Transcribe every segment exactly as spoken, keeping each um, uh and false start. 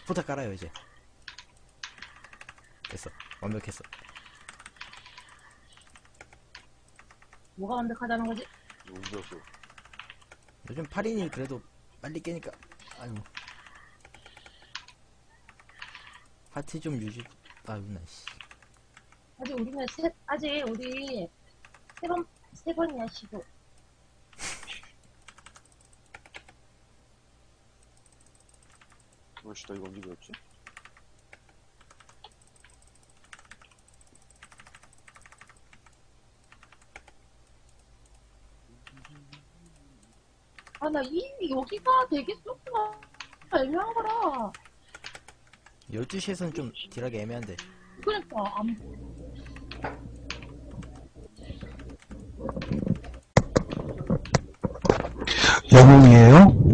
포탈 깔아요 이제. 됐어. 완벽했어. 뭐가 완벽하다는 거지? 움직였어. 요즘 팔 인이 그래도 빨리 깨니까. 아이고. 파티 좀 유지. 아이고 나 씨. 아직 우리는 세, 아직 우리 세 번, 세 번이야, 시도. 어이씨, 나 이거 언제 배웠지? 아, 나 이, 여기가 되게 쏙가 애매한 거라. 열두 시에선 좀 딜하기 애매한데. 그러니까, 안 보. 영웅이에요?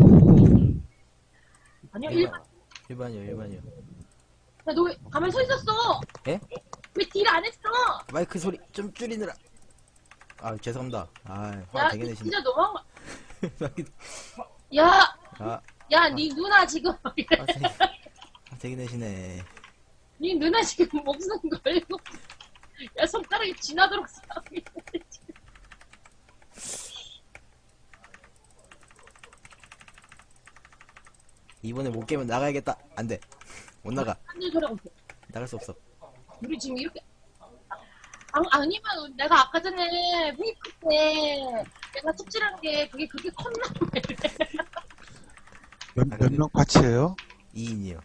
아니야, 일반, 일반. 일반이요, 일반이요. 야, 너 왜 가만히 서 있었어? 예? 왜 딜 안 했어? 마이크 소리 좀 줄이느라. 아, 죄송합니다. 아, 화 야, 되게 이 내시네. 진짜 너무한 거. 야, 아, 야, 니 누나 지금. 아, 되게, 아, 되게 내시네. 니 누나 지금 목숨 걸고. 야, 손가락이 지나도록 싸우고 있는데, 지금. 이번에 못 깨면 나가야겠다. 안 돼. 못 나가. 한일 소리하고 있어. 나갈 수 없어. 우리 지금 이렇게. 아, 아니면 내가 아까 전에 페이크 때 내가 톱질한 게 그게 그렇게 컸나? 몇, 몇 명 같이 해요? 이 인이요.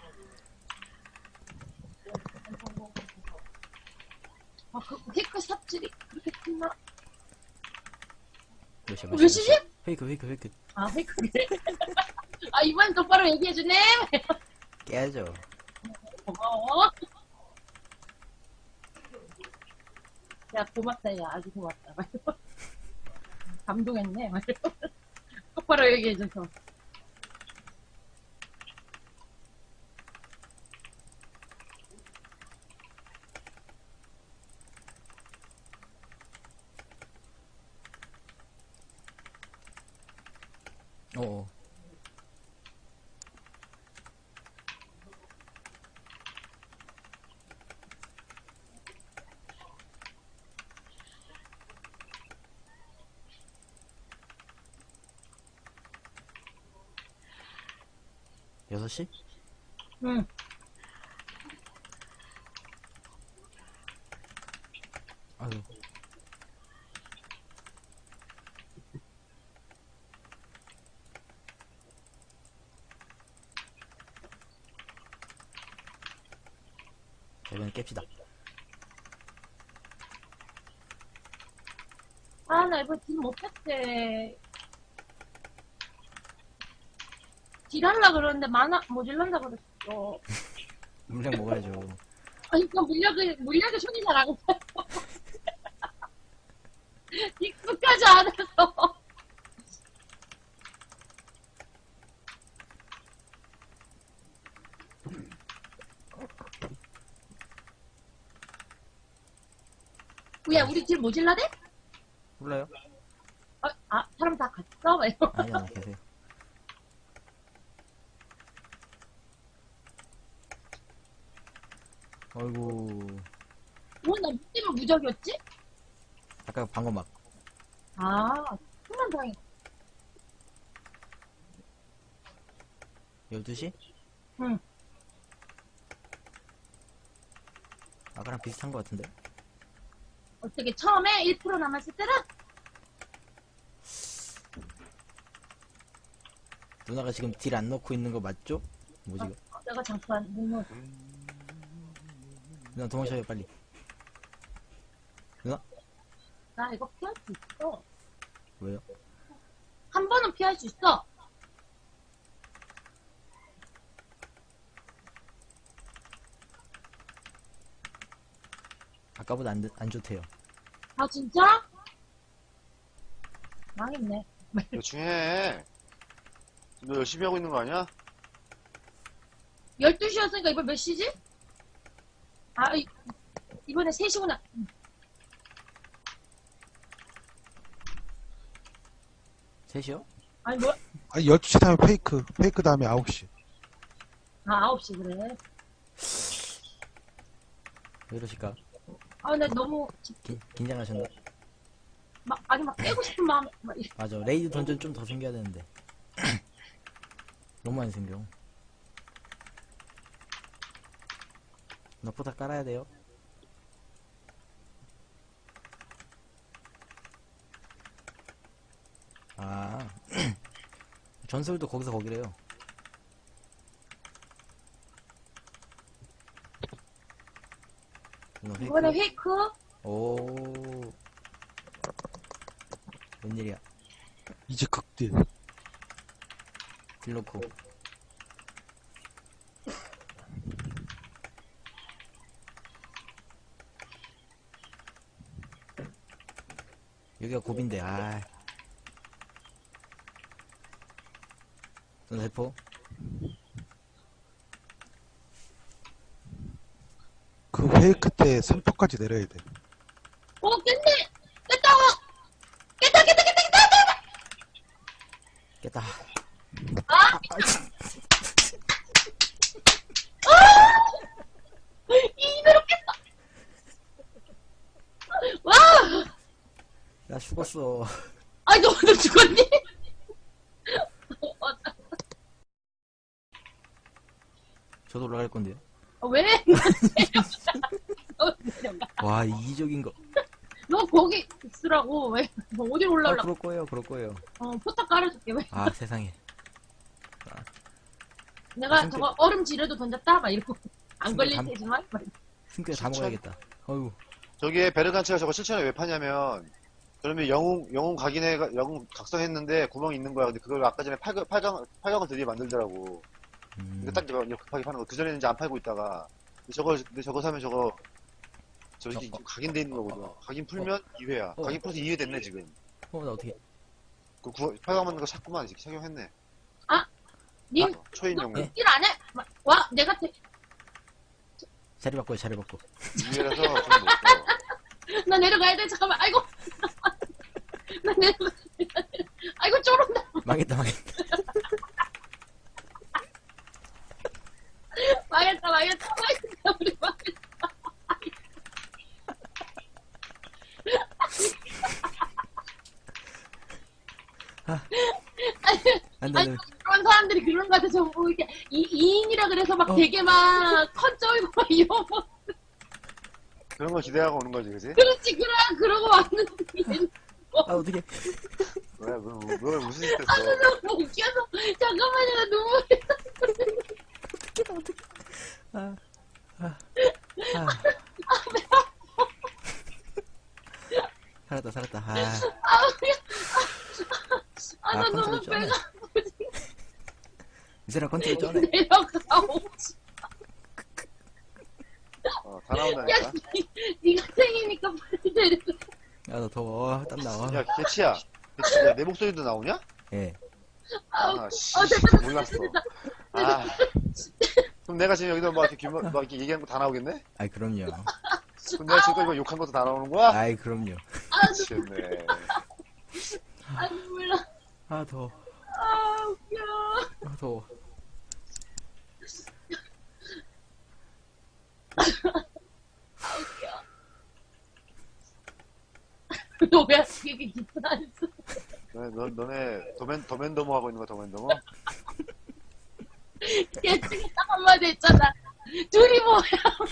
아, 그 페이크 삽질이 그렇게 컸나? 몇 시야, 몇 시지? 페이크, 페이크, 페이크. 아, 페이크네. 아, 이번엔 똑바로 얘기해주네. 깨야죠. 고마워. 야, 고맙다, 야. 아주 고맙다. 감동했네. 똑바로 얘기해줘서. 어어. 여섯 시? 응. 아유. 자, 이번엔 깹시다. 아, 나 이거 딜 못했대. 딜하려 그러는데 만화 모질란다 그랬어. 물량 먹어야죠. 아니, 그 물약을, 물약에 손이 잘 안 가요. 익숙하지 않아서. 야, 우리 딜 모질라대? 몰라요? 아, 아, 사람 다 갔어? 막 이러고. 아니, 아니, 계세요. 어이구. 뭐, 나 때문에 무적이었지? 아까 방금 막. 아, 정말 다행이다. 열두 시? 응. 아까랑 비슷한 것 같은데? 어떻게, 처음에 일 퍼센트 남았을 때는? 누나가 지금 딜 안 넣고 있는 거 맞죠? 뭐지? 이거? 어, 내가 잠깐, 눈을. 누나 도망쳐요, 빨리. 누나? 나 이거 피할 수 있어. 왜요? 한 번은 피할 수 있어. 아까보다 안, 안 좋대요. 아, 진짜? 망했네. 대충 해. 너 열심히 하고 있는 거 아니야? 열두 시였으니까 이번 몇 시지? 아, 이, 이번에 세 시구나. 셋이요? 아니, 뭐, 아니, 열두 시 다음에 페이크, 페이크 다음에 아홉 시. 아, 아홉 시 그래. 왜 이러실까? 아, 근데 너무, 기, 긴장하셨나? 막, 아니, 막 깨고 싶은 마음, 막, 이- 맞아. 레이드 던전 좀 더 생겨야 되는데. 너무 많이 생겨. 너보다 깔아야 돼요. 아. 전설도 거기서 거기래요. 너 이번에 페이크? 페이크? 오. 웬일이야. 이제 극딜. 딜놓고. 여기가 고비인데, 아. 전세포? 그 회의 끝에 삼 퍼까지 내려야 돼. 오, 깼네! 깼다! 깼다, 깼다, 깼다, 깼다! 깼다. 아! 이대로 깼다! 와! 나 죽었어. 아, 너 오늘 죽었니? 저도 올라갈 건데요. 어, 왜? 너 내려가. 와, 이기적인 거. 너 거기 있으라고. 왜? 너 어디 아, 올라오려고? 그럴 거예요, 그럴 거예요. 어, 포탑 깔아줄게. 왜? 아, 세상에. 내가 진짜. 저거 얼음 지뢰도 던졌다? 막 이러고. 안 진짜 걸릴 감- 테지만. 막 이러고. 숨겨 다 진짜? 먹어야겠다. 어휴. 저기에 베르간치가 저거 실천을 왜 파냐면, 그러면 영웅, 영웅 각인해, 영웅 각성했는데 구멍이 있는 거야. 근데 그걸 아까 전에 팔, 팔강, 팔강을 드디어 만들더라고. 음. 이거 딱 이거 급하게 파는 거. 그전에는 이제 안 팔고 있다가. 근데 저거, 근데 저거 사면 저거, 저기 어, 지금 각인돼 있는 거거든. 각인 풀면 이 회야. 어. 각인 풀어서 이 회 됐네, 지금. 어, 나 어떻게. 그 구, 팔강 만든 거 샀구만. 이제 착용했네. 님, 어, 초인 영웅. 네. 일 안 해? 막, 와, 내가 태... 자리 바꿔요, 자리 바꿔. 이 회라서 좀 못써. 나 내려가야 돼. 잠깐만. 아이고. 나 내려가. 아이고, 쫄은다. 망했다, 망했다. 망했다, 망했다, 망했다. 우리 망했다. 안 돼, 안 아니, 돼. 그런 사람들이 그런 거 같아. 전부 이렇게 이, 이인이라 그래서 막 어. 되게 막 컨쩌이고 막 이러고. 그런 거 기대하고 오는 거지, 그지? 그렇지, 그래. 그러고 왔는데. 얘는 아, 어떻게. 왜, 왜, 왜, 왜 무슨 짓 아, 했어? 너무 웃겨서. 잠깐만요, 나 눈물이. 아, 아, 아. 살았다, 살았다. 아, 아, 그냥. 아, 나 아, 너무 컨트롤 쩌네. 배가 이 사람 컨트롤 쩌네. 내려가. 오지. 어, 다 야, 나온다니까. 니, 니가 생이니까 빨리 내려가. 아, 나 더워. 땀 나와. 야, 개치야. 개치야, 내 목소리도 나오냐? 예. 아우, 아, 씨. 어, 됐다, 됐다, 몰랐어. 됐다. 아. 그럼 내가 지금 여기서 막 이렇게, 규모, 막 이렇게 얘기하는 거 다 나오겠네? 아이, 그럼요. 그럼 내가 지금까지 막 욕한 것도 다 나오는 거야? 아이, 그럼요. 아, 미치겠네. 아, 눈물 나. 아, 더워. 아, 웃겨. 아, 더워. 너 왜 이렇게 기쁜 안 써? 너네, 너, 너네, 도맨, 도맨더머 하고 있는 거야, 도맨더머? 걔중에 딱 한마디 했잖아. 둘이 뭐야?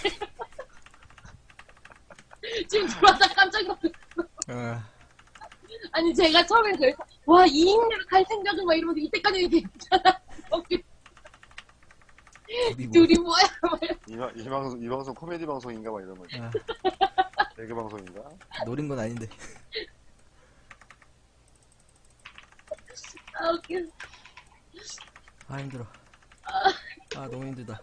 지금 들어와서 깜짝 놀랐어. 아, 아니, 제가 처음에 그래서, 와, 이인으로 갈 생각은 막 이러면서 이때까지 얘기했잖아. 우리 뭐. 둘이 뭐야? 막 이러면서. 이, 방- 이 방송, 이 방송 코미디 방송인가? 막 이런 거. 아, 개그 방송인가? 노린 건 아닌데. 아, 웃겨. 아, 힘들어. 아, 너무 힘들다.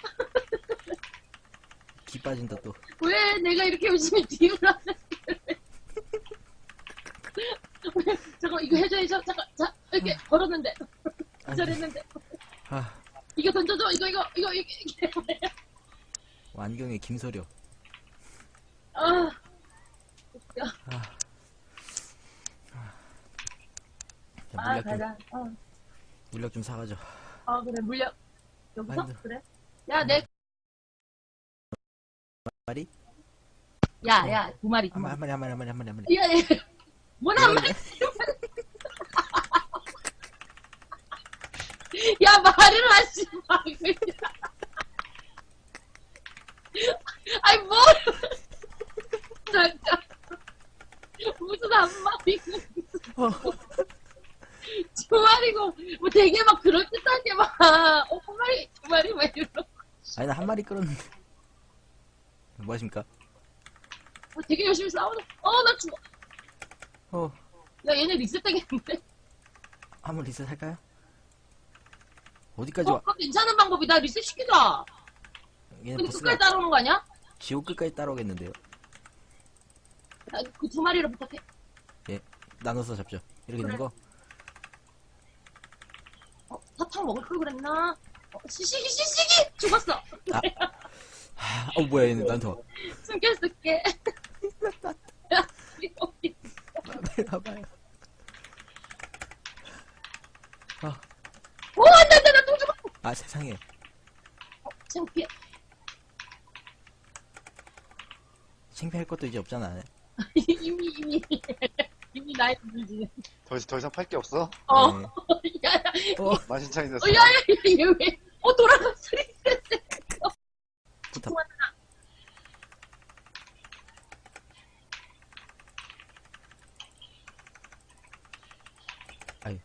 기 빠진다, 또. 왜 내가 이렇게 열심히 딜을 하는데? 왜? 잠깐, 이거 해줘, 해줘. 잠깐, 자, 이렇게 걸었는데. 안 돼. 잘했는데. 아, 이거 던져줘. 이거, 이거, 이거, 이거. 이게 뭐야? 안경에 김소려. 아. 웃겨. 아. 자, 아, 물약 좀, 가자. 어. 물약 좀 사가죠. 아, 그래, 물약. 여기서? 아니, 그래? 야, 내, 마리? 야, 야, 두 마리, 두 한 마리. 마리, 한 마리, 한 마리, 한 마리, 한 마리. 야, 야, 뭐나 한 마리? 야, 말을 하지 마, 그냥. 아이, 뭘. 잠깐. 무슨 한 마리고, 어. 두 마리고, 뭐 되게 막 그럴듯하게 막, 어, 한 마리, 두 마리, 막 이러고. 아니, 나 한 마리 끌었는데. 뭐 하십니까? 어, 되게 열심히 싸우는, 어, 나 죽어. 어, 야, 얘네 리셋 되겠는데? 한번 리셋 할까요? 어디까지 어, 와? 그거 괜찮은 방법이다. 리셋 시키자. 얘는 근데 보스가 끝까지 따라오는 거 아니야? 지옥 끝까지 따라오겠는데요? 그 두 마리를 부탁해. 예, 나눠서 잡죠. 이렇게 그래. 있는 거. 어, 사탕 먹을 걸 그랬나? 어, 시시기, 시시기! 죽었어. 하, 어, 뭐야, 얘는 나한테 와. 숨겼을게. 야, 여기. 빨리 와봐요. 아, 오, 안 돼, 안 돼, 나또 죽었어. 아, 세상에. 어, 창피해. 창피할 것도 이제 없잖아. 이미, 이미, 이미 나이 들지. 더, 더 이상 팔 게 없어? 어, 네. 야, 야, 어, 만신창이 됐어. 어, 야, 야, 야, 얘 왜, 어, 돌아갔어. 부탁. 아유.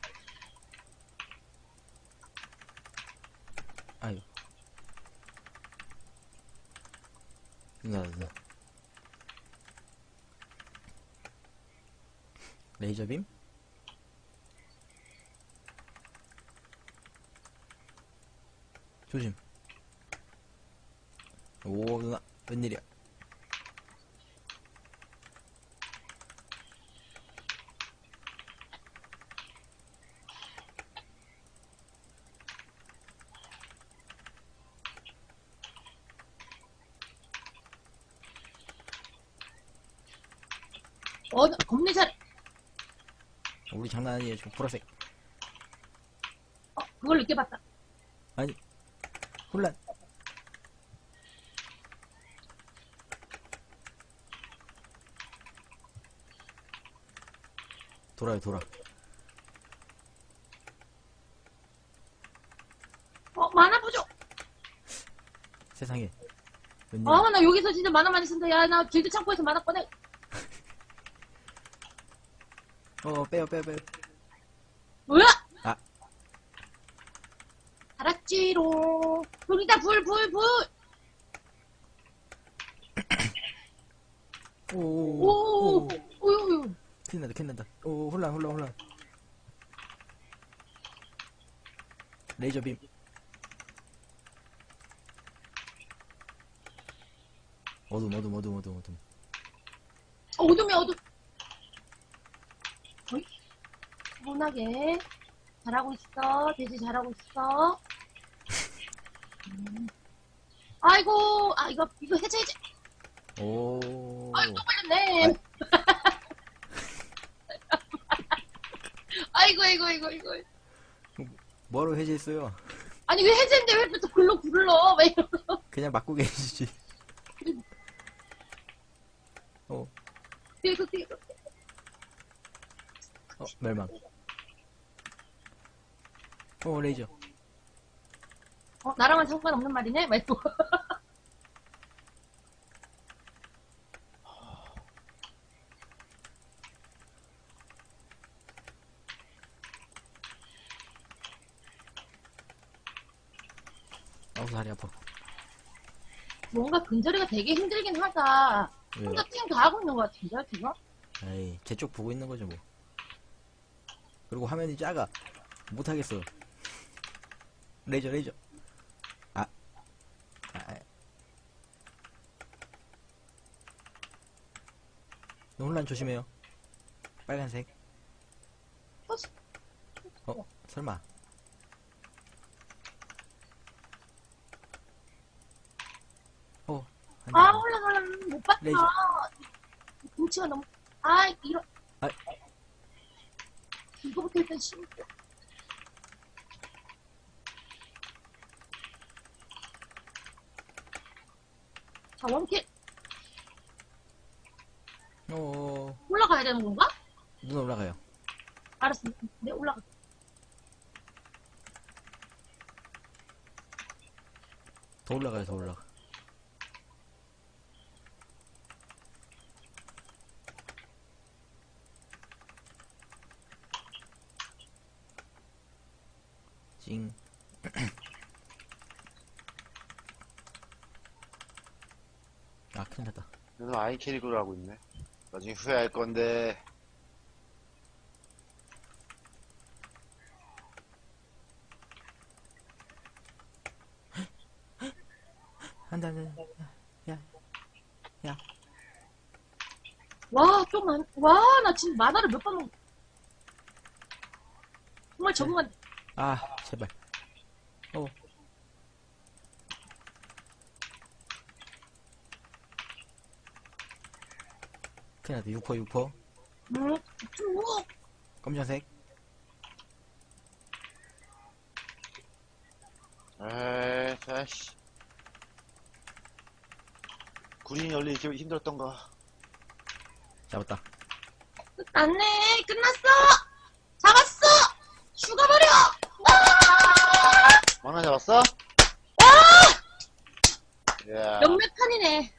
아유. 누나, 누나. 레이저빔? 조심. 오, 누나. 웬일이야. 어, 겁내 잘, 우리 장난 아니에요. 지금 보라색. 어, 그걸 늦게 봤다. 아니. 혼란. 돌아요, 돌아. 어, 만화 부족. 세상에. 웬일. 아, 나 여기서 진짜 만화 많이 쓴다. 야, 나 길드 창고에서 만화 꺼내. 어, 빼요, 빼요, 빼요. 뭐야? 아. 알았지로. 불이다, 불, 불, 불. 오, 오, 오, 오, 오. 오, 오. 큰일 난다, 큰일 난다. 오, 혼란, 혼란, 혼란. 레이저빔. 어둠, 어둠, 어둠, 어둠, 어둠. 어둠이 어둠. 어이? 무난하게. 잘하고 있어. 돼지 잘하고 있어. 음. 아이고, 아, 이거, 이거 해제, 해제. 오. 아이고, 또 걸렸네. 아이고, 아이고, 아이고, 아이고. 뭐로 해제했어요? 아니, 왜 해제인데 왜 또 글로 굴러? 왜 이러고. 그냥 맞고 계시지. 어, 뒤에서, 뒤에서. 어, 멸망. 어, 레이저. 어, 나랑은 상관없는 말이네? 막 이러고. 아우, 다리 아파. 뭔가 근절이가 되게 힘들긴 하다. 왜요? 혼자 팀 다 하고 있는 것 같은데, 지금? 에이, 제 쪽 보고 있는 거죠, 뭐. 그리고 화면이 작아. 못하겠어. 레이저, 레이저. 아. 아. 아. 혼란 조심해요. 빨간색. 어, 설마. 어, 안 돼. 아, 몰라, 몰라. 못 봤다. 레이저. 등치가 너무, 아, 이런. 아. 이거부터 일단 심고. 자, 원킬. 어, 올라가야 되는 건가? 눈 올라가요. 알았어. 네, 올라가. 더 올라가요, 더 올라가. 찡. 아, 큰일 났다. 너는 아이 캐릭으로 하고 있네. 나중에 후회할 건데. 안 돼, 안 돼. 야, 야. 와, 좀 많, 와, 나 지금 만화를 몇 번 먹, 정말 적응한, 아, 제발. 어. 큰일 났다. 육 퍼, 육 퍼. 음, 좀, 뭐, 검정색. 에이, 아이씨. 구린이 열리 이렇게 힘들었던가. 잡았다. 끝났네. 끝났어. 잡았어. 죽어버려. 막나 잡았어? 야. 몇몇 판이네.